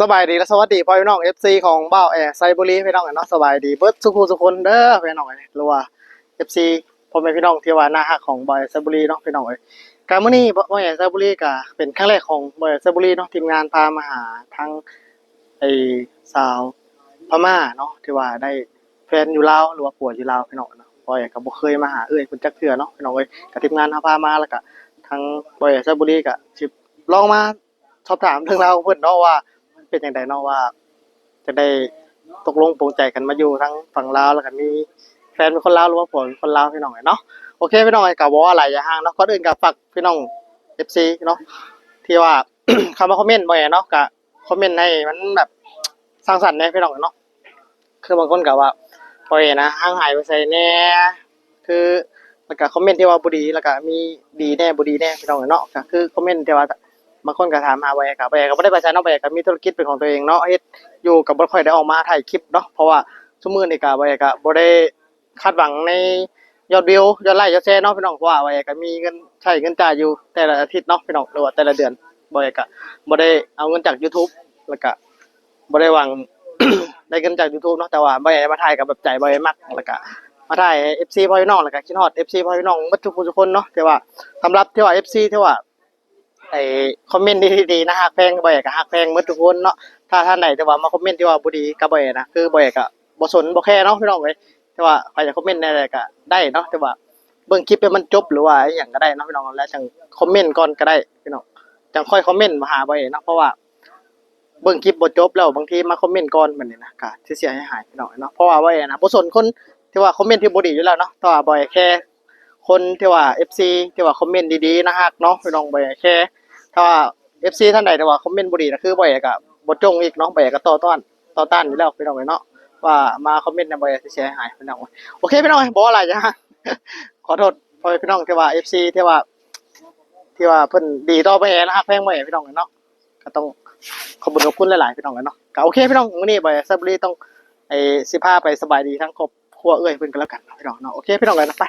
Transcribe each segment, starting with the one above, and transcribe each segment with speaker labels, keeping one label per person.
Speaker 1: สบายดีและสวัสดีพ่อพี่น้อง FC ของบ่าวไซบุรีพี่น้องเนาะสบายดีเบิดสุขุสุคนเด้อพี่น้องหรือว่า FC พ่อแม่พี่น้องที่ว่าหน้าฮักของบ่าวไซบุรีเนาะพี่น้องการมื้อนี้บ่าวไซบุรีก็เป็นครั้งแรกของบ่าวไซบุรีเนาะทีมงานพามาหาทั้งไอ้สาวพม่าเนาะที่ว่าได้แฟนอยู่ลาวหรือว่าผัวอยู่ลาวพี่น้องเนาะบ่าวก็บ่เคยมาหาเพิ่นจักเทื่อเนาะพี่น้องกับทีมงานพามาแล้วก็ทั้งบ่าวไซบุรีก็สิลองมาสอบถามเรื่องราวของเพิ่นเนาะว่าเป็นจังไดเนาะว่าจะได้ตกลงปลงใจกันมาอยู่ทั้งฝั่งลาวแล้วก็มีแฟนเป็นคนลาวหรือว่าผัวเป็นคนลาวพี่น้องเนาะโอเคพี่น้องก็บ่ว่าหลายอย่าห่างเนาะก่อนอื่นก็ฝากพี่น้อง FC เนาะที่ว่า เข้ามาคอมเมนต์บ่เนาะก็คอมเมนต์ให้มันแบบสร้างสรรค์แหน่พี่น้องเนาะคือบางคนก็ว่าบ่นะห่างหายไปไสแหน่คือแล้วก็คอมเมนต์ที่ว่าบ่ดีแล้วก็มีดีแหน่บ่ดีแหน่พี่น้องเนาะก็คือคอมเมนต์ที่ว่าบางคนก็ถามหาบ่ก็บ่ก็บ่ได้ไปไสเนาะบ่ก็มีธุรกิจเป็นของตัวเองเนาะเฮ็ดอยู่ก็บ่ค่อยได้ออกมาถ่ายคลิปเนาะเพราะว่าซุมื้อนี้ก็บ่ก็บ่ได้คาดหวังในยอดวิวยอดไลค์ยอดแชร์เนาะพี่น้องเพราะว่าบ่ก็มีเงินใช้เงินจ่ายอยู่แต่ละอาทิตย์เนาะพี่น้องหรือว่าแต่ละเดือนบ่ก็บ่ได้เอาเงินจาก YouTube แล้วก็บ่ได้หวัง ได้เงินจาก YouTube เนาะแต่ว่าบ่ได้มาถ่ายกับแบบใจบ่มักแล้วก็มาถ่าย FC พ่อพี่น้องแล้วก็คิดฮอด FC พ่อพี่น้องหมดทุกผู้ทุกคนเนาะที่ว่าสำหรับที่ว่า FC ที่ว่าไอ้คอมเมนต์ดีๆนะฮักแพงบ่ก็ฮักแพงหมดทุกคนเนาะถ้าท่านใดแต่ว่ามาคอมเมนต์ที่ว่าบ่ดีก็บ่นะคือบ่ก็บ่สนบ่แคร์เนาะพี่น้องแต่ว่าใครจะคอมเมนต์ได้ก็ได้เนาะแต่ว่าเบิ่งคลิปให้มันจบหรือว่าอีหยังก็ได้เนาะพี่น้องแล้วจังคอมเมนต์ก่อนก็ได้พี่น้องจังค่อยคอมเมนต์มาหาบ่เนาะเพราะว่าเบิ่งคลิปบ่จบแล้วบางทีมาคอมเมนต์ก่อนบัดนี้นะก็สิเสียหายพี่น้องเนาะเพราะว่าบ่นะบ่สนคนที่ว่าคอมเมนต์ที่บ่ดีอยู่แล้วเนาะแต่ว่าบ่แค่คนที่ว่า FC ที่ว่าคอมเมนต์ดีๆนะฮักเนาะพี่น้องบ่แค่ถ้าว่า FC ท่านใดแต่ว่าคอมเมนต์บ่ดีนะคือบ่ก็บ่จงอีกเนาะบ่ก็ต่อต้านอยู่แล้วพี่น้องเนาะว่ามาคอมเมนต์นำบ่สิเสียหายพี่น้องโอเคพี่น้องบ่อะไรจ้ะ ขอโทษพ่อพี่น้องที่ว่า FC ที่ว่าเพิ่นดีต่อบ่นะฮักแพงบ่พี่น้องเนาะก็ต้องขอบคุณหลายๆพี่น้องเนาะก็โอเคพี่น้องมื้อนี้บ่ซับบุรีต้องสิพาไปสบายดีทั้งครอบครัวเพิ่นก็แล้วกันพี่น้องเนาะโอเคพี่น้องเลยนะไป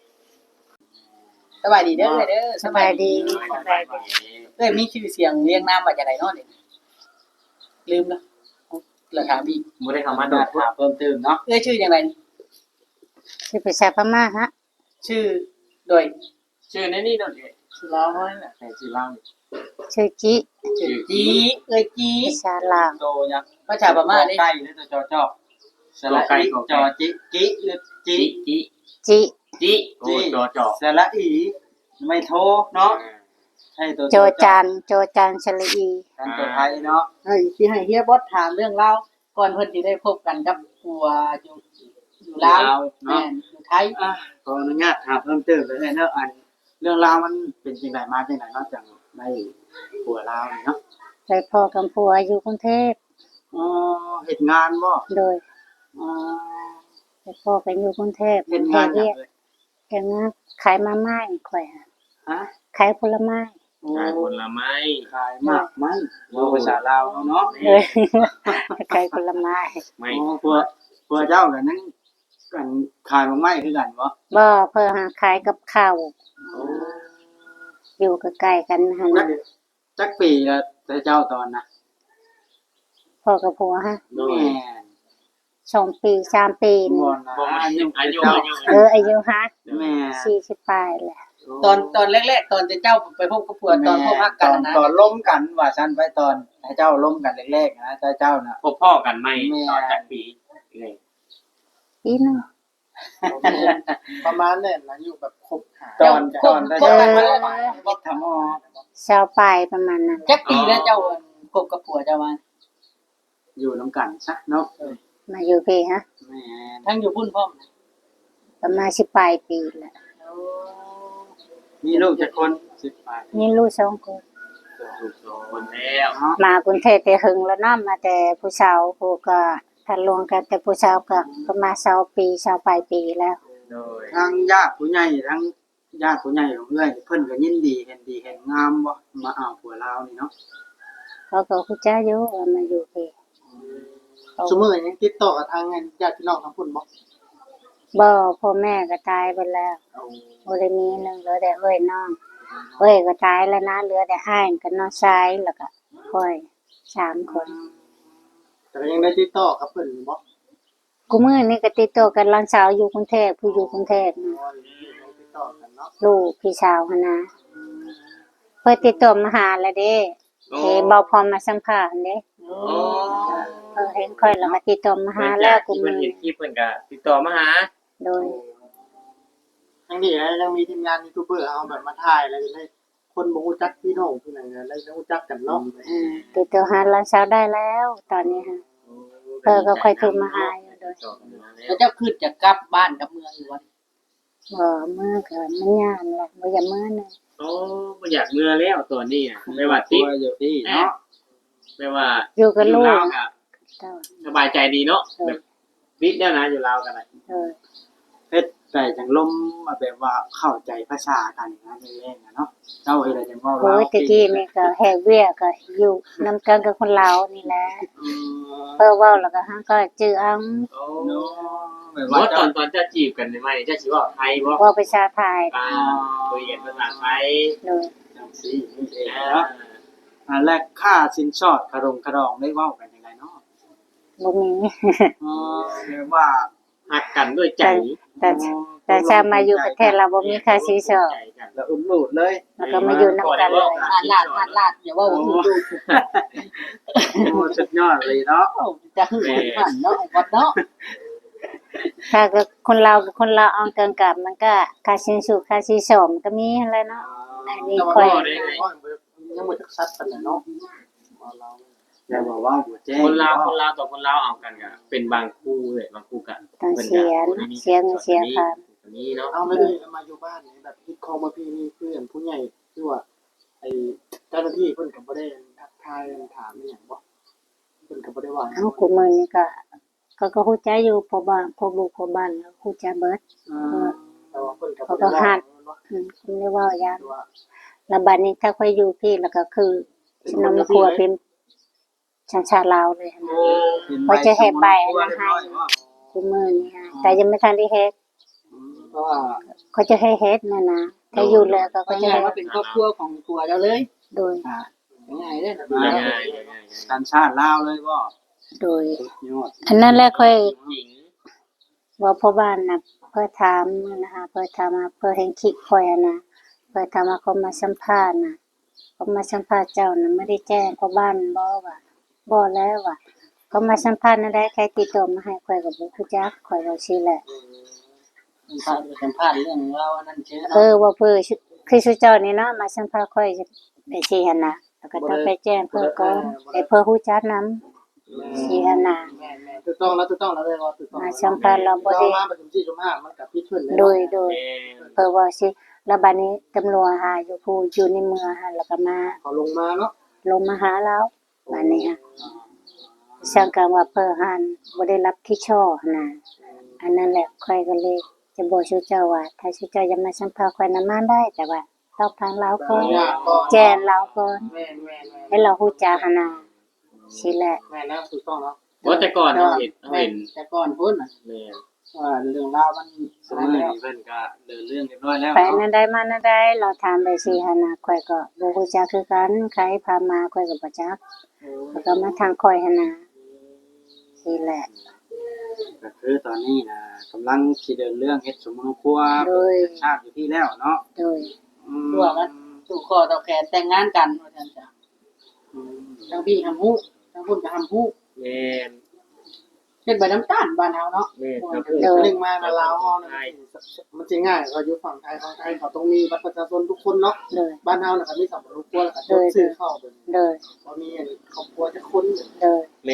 Speaker 2: สบายดีเด้อเด้อ
Speaker 3: สบายดี
Speaker 2: มีชื่อเสียงเรียงนามว่าจังได๋เนาะนี่ลืมแล้วแล้วถามอีก
Speaker 4: บ่ได้เข้ามาถามเพิ่มเติมเนาะ
Speaker 2: ชื่อจังได๋
Speaker 3: ชื่อภาษาพม่าฮะ
Speaker 2: ชื่อโดย
Speaker 4: ชื่อในนี่เนาะชื่อลาวน่ะแต่ชื่อลาว
Speaker 3: ชื่อจิ
Speaker 2: จีจี
Speaker 3: ภาษาลาว
Speaker 4: โตยัง
Speaker 2: ภาษาพม่า
Speaker 4: นี่ใกล้หรือตัวจอสระอีจอจิหรือจิโอ้จอสระอีไม่โทเนาะให้ตัว
Speaker 3: โจจานชลีอี
Speaker 4: กันตัวไทยเนาะ
Speaker 2: สิให้เฮียบอสถามเรื่องราวก่อนเพิ่นสิได้พบกันกับผัวอยู่ลาวแม่นอยู่ไทย
Speaker 4: ขออนุญาตถามเพิ่มเติมเลยเนาะอันเรื่องราวมันเป็นจังไดมาจังไดเนาะจังได้ผัวลาวเนาะ
Speaker 3: ไปพ่อกับผัวอยู่กรุงเทพ
Speaker 4: เฮ็ดงานบ่
Speaker 3: โดยไปพ่อกันอยู่กรุงเทพ
Speaker 4: เฮ็ดงานหยังเลย
Speaker 3: เฮ็ดงานขายมาม่าข่อยขายผลไม้
Speaker 4: ขายมากไม้ภาษาลาวเนาะ
Speaker 3: ขายผลไม้
Speaker 4: ไม่ผัวเจ้ากันนั้นกันขายไม้คือกันบ่
Speaker 3: เพิ่นขายกับข้าวอยู่ใกล้ๆกันหั่น
Speaker 4: จักปีแล้วแต่เจ้าตอนน่ะ
Speaker 3: พ่อกับผัวฮะ
Speaker 4: แม่
Speaker 3: 2 ปี3 ปี
Speaker 4: บ่อา
Speaker 3: ยุฮะ
Speaker 4: แม่
Speaker 3: 40ปลายแหละ
Speaker 2: ตอนแรกๆตอนเจ้าไปพบกับผัวตอนพบฮักกันนะ
Speaker 4: ตอนล้มกันว่าซั่นไปตอนให้เจ้าล้มกันแรกๆนะเจ้าน่ะ
Speaker 5: พบพ่อกันไหมตอนจักปี
Speaker 3: ปีนึง
Speaker 1: ประมาณนั้นนะอยู่แบบคบหา
Speaker 4: ตอน
Speaker 2: กันมาแล้ว
Speaker 4: บ่ทำ
Speaker 3: ชาวปลายประมาณนั้น
Speaker 2: จักปีแล้วเจ้าคบกับผัวเจ้ามา
Speaker 4: อยู่นำกันซะเนาะ
Speaker 3: มาอยู่พี่ฮะ
Speaker 4: แม่
Speaker 2: ทั้งอยู่พุ่นพร้อม
Speaker 3: ประมาณ10ปลายปีแหละ
Speaker 4: มีลูกจักคน10ปลาย
Speaker 3: มีลูก2 คน
Speaker 5: คนแล้ว
Speaker 3: มากรุงเทพแต่หึงแล้วเนาะมาแต่ผู้สาวผู้ก็ทันรวมกันแต่ผู้สาวก็ประมาณ20 ปี20ปลายปีแล้ว
Speaker 4: ทางญาติผู้ใหญ่ทั้งญาติผู้ใหญ่ของเอื้อยเพิ่นก็ยินดีเห็นงามบ่มาเอาผัวลาวนี่เนาะ
Speaker 3: เขาก็ฮู้จักอยู่ว่ามาอยู่พี่
Speaker 1: ซุมื้อยังติดต่อกับทางญาติพี่น้องทั้งพุ่น
Speaker 3: บ่พ่อแม่ก็ตายไปแล้วบ่ได้มีนึงเหลือแต่น้องก็ตายแล้วนะเหลือแต่อ้ายกับน้องชายแล้วก็ค่อย3 คน
Speaker 1: แต่ก็ยังได้ติดต่อกับเพิ่นอยู่บ่
Speaker 3: กูมื้อนี้ก็ติดต่อกันหลานสาวอยู่กรุงเทพผู้อยู่กรุงเทพนะ
Speaker 1: ยังติดต่อกันเนาะ
Speaker 3: ลูกพี่สาวหั่นนะเพิ่นติดต่อมาหาแล้วเด้เอ้เบาพรมาสัมภาษณ์เด้
Speaker 4: โอ้
Speaker 3: เห็นค่อยแล้วก็ติดต่อมาหาแล้วกู
Speaker 5: เพิ่
Speaker 3: มื้
Speaker 5: น
Speaker 3: อ
Speaker 5: เห็นคลิปเพิ่นก็ติดต่อมาหา
Speaker 3: โดย
Speaker 1: ทั้งนี้ยังมีทีมงานยูทูบเบอร์เอาแบบมาถ่ายแล้วให้คนบ่รู้จักพี่น้องพี่นั่นน่ะได้รู้จักกันเนาะ
Speaker 3: ติดต่อหาหลานสาวได้แล้ว ตอนนี้ฮะเพิ่นก็ค่อยโทรมาหาอยู่โดย
Speaker 2: แล้วเจ้าขึ้นจะกลับบ้านกับเมืองอยู่วะ
Speaker 3: มื้อก็มันยามแหละบ่อยากมื้อนึง
Speaker 5: โอ้บ่อยากเมื่อแล้วตอนนี้อะไม่ว่าติด
Speaker 4: อยู่ที่เนาะ
Speaker 5: ไม่ว่า
Speaker 3: อยู่กับลูก
Speaker 5: ลาวก็
Speaker 3: เจ้า
Speaker 5: สบายใจดีเนาะแบบติดแล้วนะอยู่ลาวกันน่ะ
Speaker 3: เออ
Speaker 4: เฮ็ดแต่จังลมมาแบบว่าเข้าใจภาษากันนะแรงๆเนาะเจ้าเฮ็ดอะไรจังว่า
Speaker 3: โอ้ยตะกี้นี่ก็แฮกเวียก็อยู่นำกันกับคนลาวนี่แหละเพิ่นเว้าแล้วก็เฮาก็จื้อเอา
Speaker 5: โอ้
Speaker 4: แบบ
Speaker 5: ว่า
Speaker 4: ว่า
Speaker 5: ตอนจะจีบกันใหม่ๆจะสิเว่าไทยบ่
Speaker 3: เว้าภาษาไทย
Speaker 5: คุยกันภาษาไทย
Speaker 3: โดย
Speaker 4: จังซี่นี่เองเนาะอันแรกค่าสินสอดขดองได้เว้ากันยังไงเนาะ
Speaker 3: บ่มี
Speaker 4: แบบว่า
Speaker 5: หักกันด้วยใจ
Speaker 3: แต่ชามาอยู่ประเทศเราบ่มีค่าสินสอด
Speaker 4: แล้วอุ้มลูดเลย
Speaker 3: แล้วก็มาอยู่นำกันเลย
Speaker 2: ลาดอย่าว่าหูดู
Speaker 4: โอ้สุดยอดเลยเนาะ
Speaker 2: จะหึงหันเนาะวัดเนาะ
Speaker 3: ถ้าก็คนเรากับคนเราเอากันกับมันก็ค่าสินสุค่าสินสอดมันก็มีหั่นแหละเนาะอันนี้ค่อย
Speaker 1: ยังบ่จักซัดปานนั้นเนาะเรา
Speaker 4: อย่าบอกว่าบ่แจ้ง
Speaker 5: คนลาวต่อคนลาวเอากันก็เป็นบางคู่เลยบางคู่กัน
Speaker 3: ต้องเสียเงินเสียค่า
Speaker 5: นี้เนาะ
Speaker 1: เอาไม่ได้มาอยู่บ้านนี่แบบคิดคองมาพี่นี่เพื่อนผู้ใหญ่คือว่าไอ้เจ้าหน้าที่เพิ่นก็บ่ได้ทักทายถามอีหยังบ่เพิ่นก็บ่ได้ว่า
Speaker 3: เอากูมื้อนี้ก็ฮู้ใจอยู่เพราะว่าพวกลูกพวกบ้านแล้วฮู้ใจเบิด
Speaker 1: แต่ว่าเพิ่นก็บ่ได้ว่า
Speaker 3: คุณไม่ว่าอย่างแล้วบัดนี้ถ้าค่อยอยู่พี่แล้วก็คือฉันนำมาครัวเป็นชันชาลาวเลยนะเขาจะให้ใบอันนั้นให้กูมื้อนี้แต่ยังไม่ทันได้เฮ็ด
Speaker 1: เพราะว่า
Speaker 3: เขาจะให้เฮ็ดนะถ้าอยู่แล้วก็
Speaker 2: ก็
Speaker 3: จะ
Speaker 2: จะ
Speaker 3: ให้
Speaker 2: ว่าเป็นครอบครัวของตัวเราเลย
Speaker 3: โดย
Speaker 2: ง่ายเลยนะ
Speaker 5: ง่าย
Speaker 4: สัญชาติลาวเลยบ่
Speaker 3: โดย
Speaker 4: ยอด
Speaker 3: อันนั้นแหละค่อย
Speaker 5: หญิง
Speaker 3: ว่าพ่อบ้านน่ะเพื่อถามนะคะเพื่อถามมาเพื่อเห็นคลิปค่อยนะเพื่อถามมาเขามาสัมภาษณ์น่ะเขามาสัมภาษณ์เจ้าน่ะไม่ได้แจ้งพ่อบ้านบ่ว่าบ่แล้วว่าเขามาสัมภาษณ์นั่นได้ใครติดต่อมาให้ค่อยก็บ่รู้จักค่อยว่าสิแหละ
Speaker 2: สัมภาษณ์เรื่องเราอันนั้นเชื่อ
Speaker 3: ว่าเพื่อคือชื่อเจ้านี่เนาะมาสัมภาษณ์ค่อยได้สิหั่นน่ะแล้วก็ต้องไปแจ้งเพิ่นก่อนให้เพิ่นรู้จักนำสิหั่นน่ะ
Speaker 1: แม่ถูกต้องแล้วเลยว่าถูกต้อง
Speaker 3: มาสัมภาษณ์เราบ่ได้
Speaker 1: มาประชุมที่ชุม5มันกับพี่เพิ่น
Speaker 3: โดยเพิ่นว่าสิแล้วบัดนี้ตำรวจหาอยู่ผู้อยู่ในเมืองหั่นแล้วก็มา
Speaker 1: เขาลงมาเนาะ
Speaker 3: ลงมาหาเราบัดนี้ฮะสังกัดว่าเพิ่นหันบ่ได้รับที่ช่อนะอันนั้นแหละค่อยก็เลยจะบอกชื่อเจ้าว่าถ้าชื่อเจ้าจะมาสัมภาษณ์ค่อยนำมาได้แต่ว่าต้องทางเราก่อนแจ้งเราก่อน
Speaker 1: แม่
Speaker 3: ให้เราฮู้จักหั่นน่ะสิแหละ
Speaker 1: แม่นะถูกต้องเนาะ
Speaker 5: ว่าแต่ก่อนเราเห็น
Speaker 2: แต่ก่อนพุ่น
Speaker 5: แม่
Speaker 2: ว่าเรื่องราวมัน
Speaker 4: สมัยนี้เพิ่นก็เดินเรื่องเรียบร้อยแล้ว
Speaker 3: ไป
Speaker 4: เนาะ
Speaker 3: นั่นได้มานั่นได้เราถามไปสิหั่นน่ะค่อยก็บ่ฮู้จักคือกันใครพามาค่อยก็บ่จักแล้วก็มาทางค่อยหั่นน่ะสิแหละ
Speaker 4: ก็คือตอนนี้นะกำลังสิเดินเรื่องเฮ็ดสมครัวเป็นชาติอยู่ที่แล้วเนาะ
Speaker 3: โดย
Speaker 2: ตัวมันสู่คอต่อแขนแต่งงานกันว่าซั่นจ้ะทั้งพี่ทำฮู้ทั้งพุ่นก็ทำฮู้
Speaker 5: แม่
Speaker 2: เป็นใบน้ำตาลบ้านเฮาเนาะ
Speaker 5: แม่ครับ
Speaker 1: นึงมาลาวเฮานะมันสิง่ายเขาอยู่ฝั่งไทยเขาต้องมีบัตรประชาชนทุกคนเนาะ
Speaker 3: โดย
Speaker 1: บ้านเฮาน่ะก็มีสัมปทานครัวแล้วก็ต้องซื้อเข้าเบิ่ง
Speaker 3: โดย
Speaker 1: บ่มีครอบครัวจักคน
Speaker 3: โดย
Speaker 5: แม่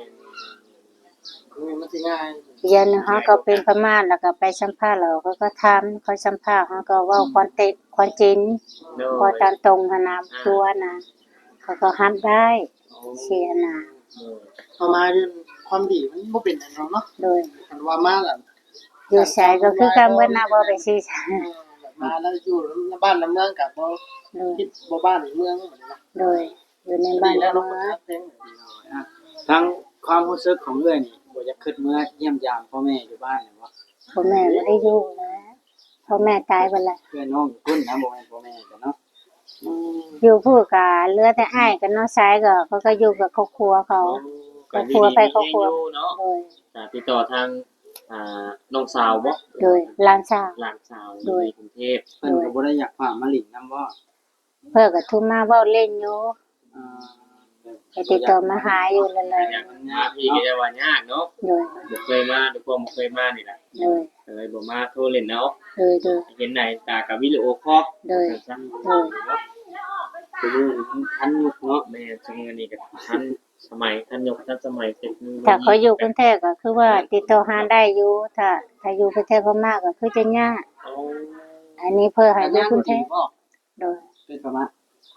Speaker 1: มันสิง่าย
Speaker 3: เรียนเขาก็เป็นพม่าแล้วก็ไปสัมภาษณ์แล้วเขาก็ทำเขาสัมภาษณ์เขาก็เว่าความจริงพอตามตรงขนาดตัวนะเขาก็ฮับได้เชียร์นะ
Speaker 1: เอามาเรื่องความดีมันบ่เป็นอันเนาะ
Speaker 3: โดย
Speaker 1: คันว่ามาแล้ว
Speaker 3: อยู่ใช้ก็คือการเบิ้นาบ่ไปซีใช้
Speaker 1: มาแล้วอยู่ในบ้านในเมืองกับบ่
Speaker 3: โดย
Speaker 1: คิดบ่บ้านในเมือง
Speaker 3: โดยอยู่ในบ้าน
Speaker 1: แล้
Speaker 3: แล้ว ว
Speaker 1: เนาะ
Speaker 3: เนาะ
Speaker 4: ทั้งความรู้สึกของเอื้อยนี่บ่อยากคิดเมื่อเยี่ยมยามพ่อแม่อยู่บ้านเนี่ยบ่
Speaker 3: พ่อแม่ไม่ได้อยู่แล้วพ่อแม่ตายไปแล้ว
Speaker 4: เพื่อนน้องอยู่พุ่นนะบ่แม่นพ่อแม่กันเนาะ
Speaker 3: อยู่พูดกับเหลือแต่อ้ายกับน้องชายก็เขาก็อยู่กับครอบครัวเขาครอบครัวไปครอบครัว
Speaker 5: เนาะ
Speaker 3: โดย
Speaker 5: ติดต่อทางน้องสาวบ่
Speaker 3: โดยหลานสาว
Speaker 5: หลานสาว
Speaker 3: โดย
Speaker 5: ในกรุงเทพ
Speaker 4: เพิ่นก็บ่ได้อยากฝากมาหลินนำว่า
Speaker 3: เพิ่นก็โทรมาเว้าเล่นอยู่
Speaker 4: อ่า
Speaker 3: ไปติดต่อมาหาอยู่นั่นแหละ
Speaker 5: อยากมาพี่ก็จะว่ายากเนาะ
Speaker 3: โดย
Speaker 5: บ่เคยมาทุกคนบ่เคยมานี่แหละ
Speaker 3: โดย
Speaker 5: เลยบ่มาโทรเล่นเนาะ
Speaker 3: โดยโดย
Speaker 5: เห็นไหนตากับวิดีโอคอล
Speaker 3: โดย
Speaker 5: จัง
Speaker 3: โดย
Speaker 4: คือมันทันยุคเนาะ
Speaker 5: แม่จังนี้ก็ทันสมัยทันยกทันสมัยเทคโนโลยี
Speaker 3: ถ้าเขาอยู่กรุงเทพก็คือว่าติดต่อหาได้อยู่ถ้าอยู่ประเทศพม่าก็คือจะยาก
Speaker 5: โอ้
Speaker 3: อันนี้เพื่อให้อยู่กรุงเทพ
Speaker 4: บ่
Speaker 3: โดย
Speaker 4: เป็นประมาณ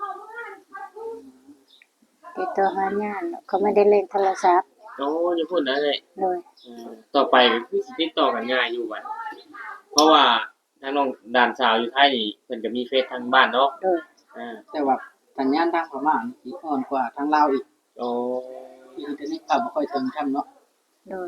Speaker 3: ติดต่อหายากเขาไม่ได้เล่นโทรศัพท์
Speaker 5: โอ้อย่าพูดนะเลย
Speaker 3: โดย
Speaker 5: ต่อไปก็คือสิติดต่อกันง่ายอยู่บัดเพราะว่าทางน้องด่านสาวอยู่ไทยนี่เพิ่นก็มีเฟซทางบ้านเนาะ
Speaker 3: โดย
Speaker 4: แต่ว่าสัญญาณทางพม่านี่สิอ่อนกว่าทางลาวอีก
Speaker 5: โอ้
Speaker 4: อินเทอร์เน็ตก็บ่ค่อยถึงช่ำเนาะ
Speaker 3: โดย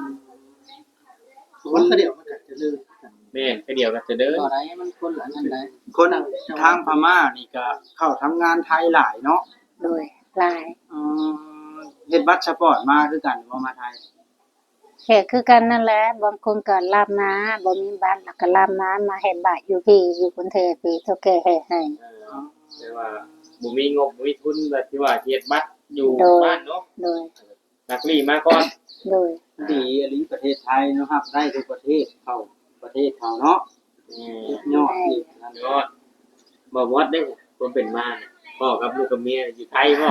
Speaker 1: คนเดียวมันก็จะลืม
Speaker 5: แม่นแค่เดียวก็จะเด้อ
Speaker 4: ต่อได้มันคนละนั่นได้คนทางพม่านี่ก็เข้าทำงานไทยหลายเนาะ
Speaker 3: โดยหลาย
Speaker 4: เฮ็ดบัตรสปอร์ตมาคือกันบ่มาไทย
Speaker 3: แค่คือกันนั่นแหละบางคนก็ลาบนาบ่มีบ้านแล้วก็ลาบนามาเฮ็ดบ้านอยู่พี่อยู่กรุงเทพพี่เฒ่าแก่เฮ็ดให้
Speaker 5: แต่ว่าบ่มีงบบ่มีทุนแบบที่ว่าเฮ็ดบัตรอยู่บ้านเนาะ
Speaker 3: โดย
Speaker 5: นักลีมาก่อน
Speaker 3: โดย
Speaker 4: ดีอหลีประเทศไทยเนาะครับได้ทุกประเทศเข้าประเทศเขาเนาะยอดอีกนั่น
Speaker 5: ยอดบ่วัดได้คนเป็นมาเนี่ยพ่อกับลูกกับเมียอยู่ไทยบ่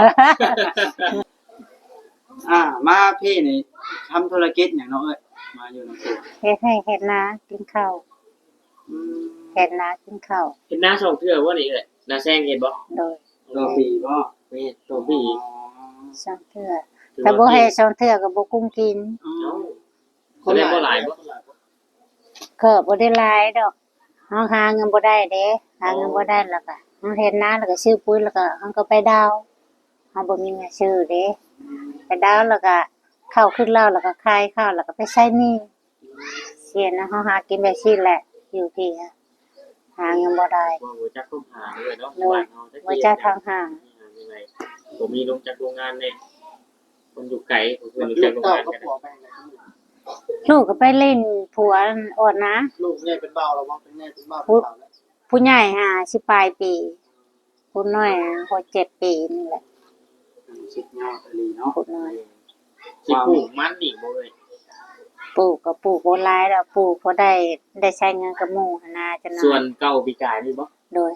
Speaker 4: มาพี่นี่ทำธุรกิจหยังเนาะเอ้ยมาอยู่นำตัว
Speaker 3: เฮ็ดให้เฮ็ดนากินข้าวเฮ็ดนากินข้าว
Speaker 5: เฮ็ดหน้าช่องเทื่อบ่นี่เอ้ยหน้าแซงเฮ็ดบ่
Speaker 3: โดย
Speaker 4: ต่อปีบ่
Speaker 5: แม่นตัวพี่
Speaker 3: สองเทื่อถ้าบ่ให้สองเทื่อก็บ่กุ้มกิน
Speaker 5: แสดงบ่หลายบ่
Speaker 3: ก็บ่ได้หลายดอกเฮาหาเงินบ่ได้เด้หาเงินบ่ได้แล้วก็เฮาเฮ็ดนาแล้วก็ซื้อปุ๋ยแล้วก็เฮาก็ไปดาวเฮาบ่มีเงินซื้อเด้ไปดาวแล้วก็ข้าวขึ้นแล้วแล้วก็ขายข้าวแล้วก็ไปใช้หนี้เสียนะเฮาหากินแบบนี้แหละอยู่ที่หาเงินบ่ได้
Speaker 5: บ่จักต้องหาด้วยเนาะ
Speaker 3: โดย
Speaker 5: บ้านเฮา
Speaker 3: บ่จักทางหา
Speaker 5: ยังไงบ่มีลงจากโรงงานเนี่ยคนอยู่ไกลเพิ่นรู้
Speaker 1: ลู
Speaker 5: จัก
Speaker 1: ก
Speaker 5: โรงาน
Speaker 1: เต้างก็
Speaker 5: กัน
Speaker 1: ผัวไปไหน
Speaker 3: ลูกก็ไปเล่นผัวอ่อนนะ
Speaker 1: ลูกเนี่ยเป็นเบาแล้วบ่เป็นแม่เป็นเบา
Speaker 3: ผู้ใหญ่สิปลายปีผู้น้อย6-7 ปีนี่แหละ
Speaker 4: สุดยอดอหลีเนาะ
Speaker 3: ผู้น้อย
Speaker 5: สิปลูกมันอีกบ่เอ้ย
Speaker 3: ปลูกก็ปลูกบ่หลายดอกปลูกพอได้ใช้เงินกับหมู่หั้นนะจัง
Speaker 5: ส่ว
Speaker 3: นั้น
Speaker 5: เก่าปีกายนี่บ่
Speaker 3: โดย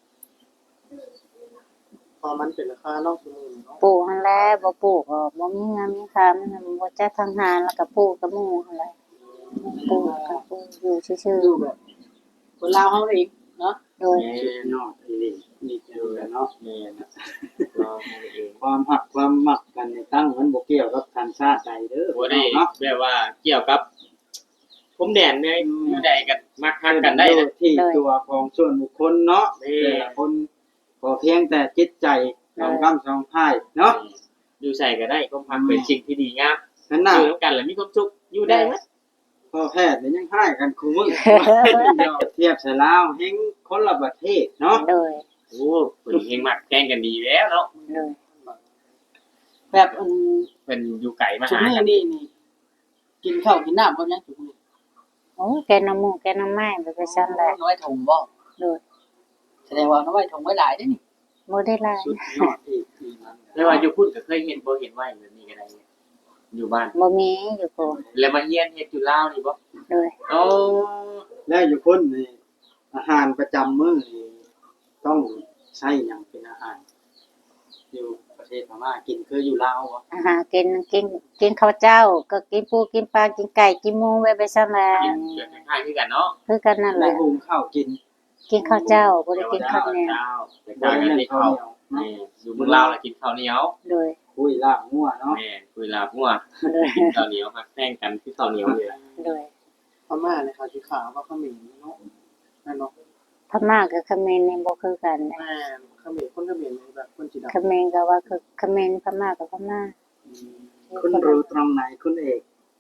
Speaker 1: พอมันเป็นราคานอกสมุนเนาะ
Speaker 3: ปลูกหั่นแหละบ่ปลูกก็บ่มีงานมีค่ามันบ่จักทางหารแล้วก็ปลูกกับหมู่หั่นแหละปลูกก็ปลูกอยู่ซื่อ
Speaker 2: ดูแบบคนลาวเฮาเองเนาะ
Speaker 3: ๆโดย
Speaker 5: แม่
Speaker 4: สุดยอดอหลีนี่คือเนาะ
Speaker 5: แม่นะรอให้เอง
Speaker 4: ความหักความหมักกันในตั้งมันบ่เกี่ยวกับทางชาติใดเด้อ
Speaker 5: บ่ได้
Speaker 4: เนาะ
Speaker 5: แบบว่าเกี่ยวกับผมแดนเนี่ยอยู่ใดกันมักฮักกันได้นะ
Speaker 4: ที่ตัวของส่วนบุคคลเนาะ
Speaker 5: นี่
Speaker 4: แต่ละคนก็เพียงแต่จิตใจสองกำสองพายเนาะ
Speaker 5: อยู่ใส่ก็ได้ความฮักเป็นสิ่งที่ดีงาม
Speaker 4: นั่น
Speaker 5: อ
Speaker 4: น่ะ
Speaker 5: ยู่ร่วมกันแล้วมีความสุขอยู่ได้มั้ย
Speaker 4: พ่อแพทย์นี่ยังให้กันคู่มือ เทียบใส่ลาวเฮงคนละประเทศเนาะ
Speaker 3: โดย
Speaker 5: โอ้เพิ่นเฮงมักแกล้งกันดีแล้วเนาะ
Speaker 3: โดย
Speaker 2: แบบ
Speaker 5: เพิ่นอยู่ไกลมา
Speaker 2: ชุด
Speaker 5: หา
Speaker 2: นี้
Speaker 5: กัน
Speaker 2: นี่กินข้าวกินน้ำบ่ยังชุดนี้
Speaker 3: โอ้แกน้ำหมูกแกน้ำไม้ไปซั่นแหละ
Speaker 2: น้อยถุงบ่
Speaker 3: โดย
Speaker 2: แสดงว่าน้อยถุงไว้หลายเด้นี่
Speaker 3: บ่ได้หลาย
Speaker 4: สุดยอดอีกทีนั้น
Speaker 5: แต่ว่าอยู่พุ่นก็เคยเห็นบ่เห็นว่าอย่างนี้ก็ได้เนี่ยอยู่บ้าน
Speaker 3: บ่มีอยู่โพน
Speaker 5: แล้วมาเฮียนเฮ็ดอยู่ลาวนี่บ่
Speaker 3: โดย
Speaker 5: โอ้
Speaker 4: แล้วอยู่คนนี่อาหารประจำมื้อนี่ต้องใช้หยังเป็นอาหาร อยู่ประเทศพม่ากินคืออยู่ลาวบ่
Speaker 3: อาหารกินข้าวเจ้า ก็กินปูกินปลากินไก่กินหมูไว้ไปซั่นแหละ
Speaker 5: กินเกิดคล้ายๆคือกันเนาะ
Speaker 3: คือกันนั่นแห
Speaker 4: แล้ว
Speaker 3: ละ
Speaker 4: หุงข้าวกิน
Speaker 3: กินข้าวเจ้าบ่ได้กินข้าวเหนียว
Speaker 5: แต่กายกันที่เขานี่อยู่เมืองลาวแล้วกินข้าวเหนียว
Speaker 3: โดย
Speaker 4: คุยลาบงัวเนาะ
Speaker 5: แม่คุยลาบงัว
Speaker 3: โดย
Speaker 5: กินข้าวเหนียวฮักแป้งกันที่ข้าวเหนียวนี่แหละ
Speaker 3: โดย
Speaker 1: พม่าเนี่ยเขาสิขาวว่าเขมิ้นเนาะนั่นเนาะ
Speaker 3: พม่ากับเขมรนี่บ่คือกันนะ
Speaker 1: แม่เขมิ้นคนเขมิ้นแบบคนสีดำ
Speaker 3: เขมรก็ว่าคือเขมรพม่ากับพม่า
Speaker 4: คุณรู้ตรงไหนคุณเอก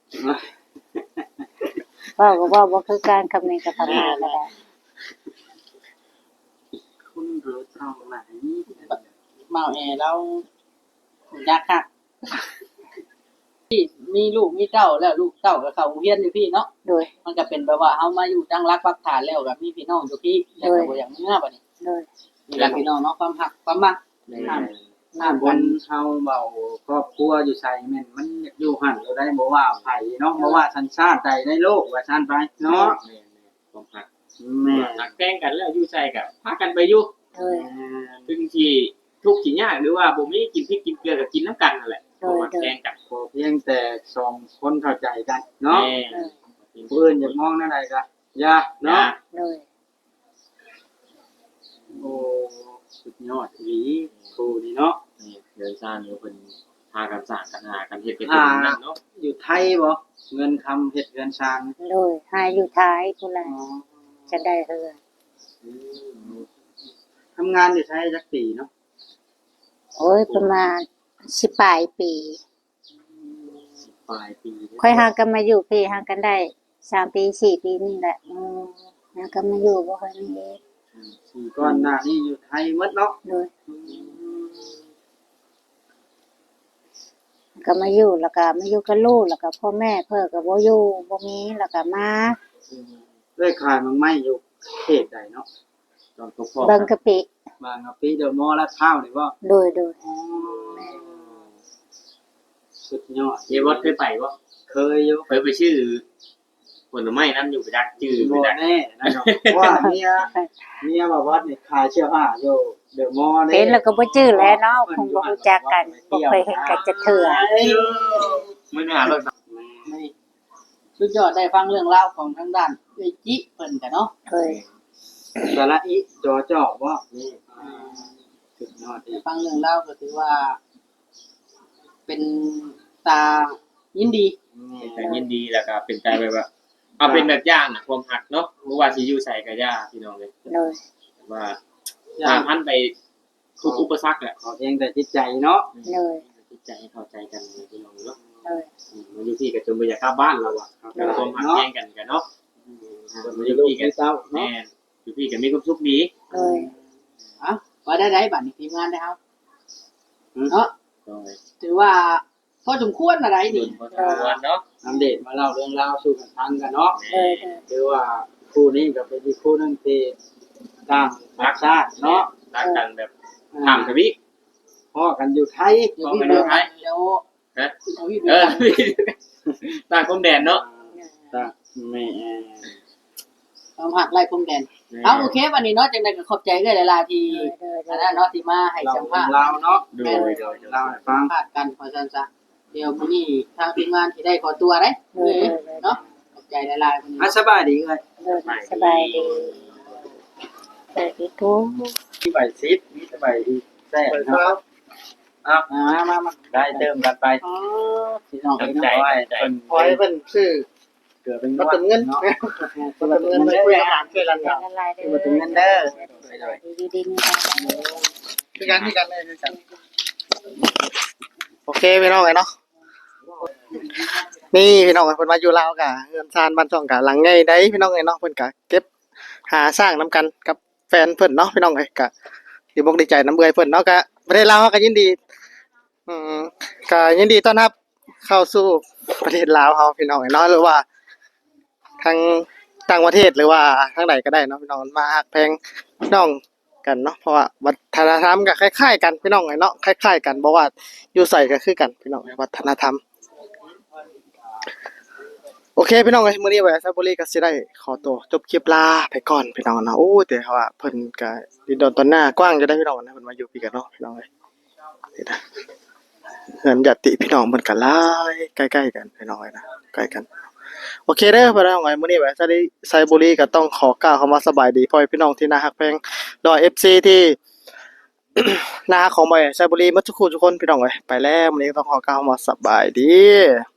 Speaker 3: เว้าก็เว้าบ่คือกันเขมรกับพม่าก็ได้
Speaker 4: คุณรู้ตรงไหน
Speaker 2: เมาแอแล้วยากคักมีลูกมีเต้าแล้วลูกเต้าก็เข้าโรงเรียนอยู่พี่เนาะ
Speaker 3: โดย
Speaker 2: มันก็เป็นแบบว่าเฮามาอยู่ตั้งรักปักฐานแล้วก็มีพี่น้องอยู่พี่แล้วก็บ่อย่างเมื่อบัดนี้
Speaker 3: โดย
Speaker 2: นี่แหละพี่น้องเนาะความหักความมัก
Speaker 5: แม่
Speaker 2: น้ำ
Speaker 4: ค
Speaker 2: กัน
Speaker 4: นเฮาเบาครอบครัวอยู่ไสแม่นมันอยากอยู่หั่นเราได้บ่ว่าไผเนาะบ่ว่าสัญชาติใดในโลกว่าซั่นไปเนาะ
Speaker 5: แม่ความหัก
Speaker 4: แม่
Speaker 5: หักแป้งกันแล้วอยู่ใส่กับพากันไปอยู่
Speaker 3: โดย
Speaker 5: ซึ่งที่ทุกข์ที่ยากหรือว่าบ่มีกินพริกกินเกลือก็กินน้ำกันนั่นแหละ
Speaker 3: โดย
Speaker 5: หักแป้งกัน
Speaker 4: ขอเพียงแต่สองคนเข้าใจกันเนาะ
Speaker 5: แม่
Speaker 4: ผู้อื่นอยากมองแนวใดก็อย่าเนาะ
Speaker 3: โดย
Speaker 4: โอ้สุดยอดอีหลีครูนี่เนาะ
Speaker 5: นี่เดินสร้างอยู่เพิ่นพากันสร้างกันหากันเฮ็ดเป็นอย่างนั้นเนาะ
Speaker 4: อยู่ไทยบ่เงินคำเฮ็ดเงินชาง
Speaker 3: โดยหาอยู่ท้ายพุ่นล่ะจะได้เฮือ
Speaker 4: ทำงานอยู่ไทยจักปีเนาะ
Speaker 3: โอ้ยประมาณ10ปลายปี
Speaker 5: ปลายปี
Speaker 3: ค่อยหากันมาอยู่พี่หากันได้3ปี4ปีนี่แหละหากันมาอยู่บ่ค่อยมีเฮ็ด
Speaker 4: ก่อนหน้านี้อยู่ไทยหมดเนาะ
Speaker 3: โดยก็มาอยู่แล้วก็มาอยู่กับลูกแล้วก็พ่อแม่เพิ่นก็บ่อยู่บ่มีแล้วก็มา
Speaker 4: ได้ขายมันไม่อยู่เขตใดเนาะ
Speaker 5: ตอนพ่อ
Speaker 3: เบิ่งกะปิ
Speaker 4: บางกะปิเดอะมอลล์ลาดพร้าวนี่บ่
Speaker 3: โดย
Speaker 4: สุดยอด
Speaker 5: เยวัดเคยไปบ่
Speaker 4: เคยอยู่
Speaker 5: เคยไปชื่อผลไม้นั้นอยู่ไปจักชื่อไป
Speaker 4: บ่
Speaker 5: จัก
Speaker 4: แน่นะเนาะว่าเมียบอกว่านี่ขายเสื้อผ้าอยู่เดอะมอลล์
Speaker 3: เห็นแล้วก็บ่ชื่อแล้วเนาะคงบ่รู้จักกันบ่เคยเห็นกันจักเทื่อ
Speaker 5: มื้อหน้ารถ
Speaker 2: นี่สุดยอดได้ฟังเรื่องราวของทางด้านเอ้ยจิเพิ่นกันเนาะ
Speaker 3: เคย
Speaker 4: สระอิจอจอกบ่นี่สุดยอดดี
Speaker 2: ได้ฟังเรื่องราวก็ถือว่า เป็นตายินดี
Speaker 5: แต่ยินดีแล้วก็เป็นใจแบบว่าเอาเป็นแบบอย่างน่ะความหักเนาะบ่ว่าสิอยู่ใส่ก็ย่าพี่น้องเลย
Speaker 3: โดย
Speaker 5: ว่าผ่านพันไปทุกอุปสรรคแหละ
Speaker 4: ขอเพียงแต่จิตใจเนาะ
Speaker 3: โดย
Speaker 5: จิตใจให้เข้าใจกันเลยพี่น้องเนาะ
Speaker 3: โดย
Speaker 5: มาอยู่ที่ก็จนบ่อยากกลับบ้านแล้วอ่ะความหักแย่งกันกันเนาะ
Speaker 4: มาอยู่ลูกที่เต้า
Speaker 5: แม่
Speaker 4: เนาะ
Speaker 5: อยู่พี่ก็มีความสุขดี
Speaker 3: โดย
Speaker 2: อ่ะว่าได้บัดนี้ทีมงานได้ครับเนาะ
Speaker 5: โดย
Speaker 2: ถือว่าพอสมควรอะไร
Speaker 5: โด
Speaker 2: นี่
Speaker 5: ยพอสมควรเนาะ
Speaker 4: อัปเดตมาเล่าเรื่องราวสู่กันฟังกันเนาะ
Speaker 3: โดย
Speaker 4: คือว่าคู่นี้ก็เป็นอีกคู่หนึงที่ต่างรักชาติเนาะ
Speaker 5: รักกันแบบถามทวิ
Speaker 4: พ่อกันอยู่ไทย
Speaker 2: เดี๋ยวพี่เดินเดี๋ยว
Speaker 5: ฮะ
Speaker 2: เดี๋ยวพี่
Speaker 5: เอ
Speaker 2: เดิ
Speaker 5: อน ต่างพรมแดนเนาะ
Speaker 4: ต่างแม่
Speaker 2: ความหักไล่พรมแดนเอาโอเควันนี้เนาะจังได๋ก็ขอบใจเด้อหลายๆที่
Speaker 3: โดย
Speaker 2: อันนั้นเนาะที่มาให้
Speaker 4: เรา
Speaker 2: สัมภาษณ์
Speaker 4: เราเนาะ
Speaker 5: โดยโดย
Speaker 4: เราให้ฟัง
Speaker 2: พาดกันพอซั่นซะเดี๋ยวมื้อนี้ทางทีมงานสิได้ขอตัวเด้เนาะขอบใจหลายๆวันนี้
Speaker 4: อ่ะสบายดีเลย
Speaker 3: โดยสบายดีสวัสดีทุก
Speaker 4: สบายซิดสบายดีแซ่บเนาะมาได้เติมกันไป
Speaker 2: อ๋อพี่น้อง
Speaker 5: ตั้ง
Speaker 2: พี่
Speaker 5: ใจ
Speaker 2: น้อง
Speaker 5: ใจ
Speaker 1: ขอให้เพิ่นซื้อ
Speaker 4: เกิดเป็น
Speaker 1: มาเติมเงิน
Speaker 4: เนาะ
Speaker 1: มาเติมเงินไปคุยอาหารช่วยกัน
Speaker 3: อย่า
Speaker 1: เนาะ
Speaker 3: ละลายเด้
Speaker 4: มาถึงเงินเด้อ
Speaker 3: ดีดีๆนี่ค่ะ
Speaker 1: ช่วยกันช่วยกันเลยช่วยกันโอเคพี่น้องเนาะนี่พี่น้องเพิ่นมาอยู่ลาวกะเงินซานบ้านช่องกะหลังใหญ่ได้พี่น้องเนาะเพิ่นกะเก็บหาสร้างนํกันกับแฟนเพิ่นเนาะพี่น้องกะดีบกดีใจน้ำเบื่อเพิ่นเนาะกะประเทศลาวก็ยินดีก็ยินดีต้อนรับเข้าสู่ประเทศลาวเฮาพี่น้องเนาะหรือว่าทางต่างประเทศหรือว่าทางใดก็ได้เนาะพี่น้องมาฮักแพงพี่น้องกันเนาะเพราะว่าวัฒนธรรมก็คล้ายๆกันพี่น้องเนาะคล้ายๆกันบ่ว่าอยู่ไสก็คือกันพี่น้องวัฒนธรรมโอเคพี่น้องเอ้ยมื้อนี้ไว้ซับบุรีก็สิได้ขอตัวจบคลิปลาไปก่อนพี่น้องเนาะโอ้แต่ว่าเพิ่นก็ดินดอนตอนหน้ากว้างจะได้พี่น้องนะเพิ่นมาอยู่พี่กันเนาะพี่น้องเอ้ยนี่นะเฮือนญาติพี่น้องเพิ่นก็หลายใกล้ๆกันพี่น้องเอ้ยนะใกล้กันโอเคเด้อพี่น้องเอ้ยมื้อนี้ไว้ไซบุรีก็ต้องขอกล่าวคำว่าสบายดีพ่อพี่น้องที่น่าฮักแพงรอ FC ที่ น่าฮักของบ่ไซบุรีหมดทุกคนพี่น้องเอ้ยไปแล้วมื้อนี้ก็ต้องขอกล่าวคำว่าสบายดี